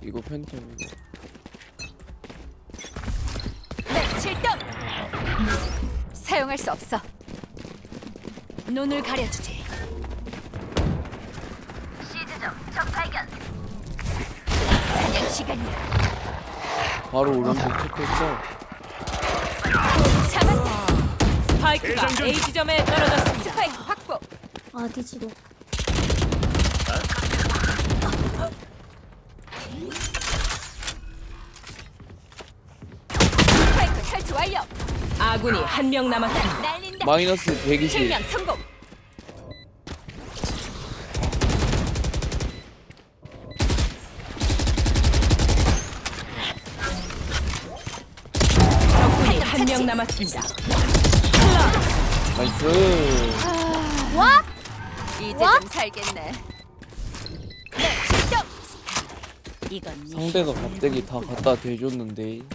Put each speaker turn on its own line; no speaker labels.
이거 팬텀 이거.
네, 7점. 사용할 수 없어. 눈을 가려주지. 시즈점 적 발견. 사냥 시간이야.
바로 오른쪽 체크했죠.
잡았다.
스파이크가 A 지점에 떨어졌습니다.
스파이크 확보.
어디지도.
스파이크 설치 완료.
아군이 한 명 남았습니다.
날린다.
마이너스 120.
실명 성공.
적군이 한 명 남았습니다.
나이스.
와?
이제
와?
좀 살겠네. 네, 7점. 이건 네
상대가 갑자기 다 갖다 대줬는데.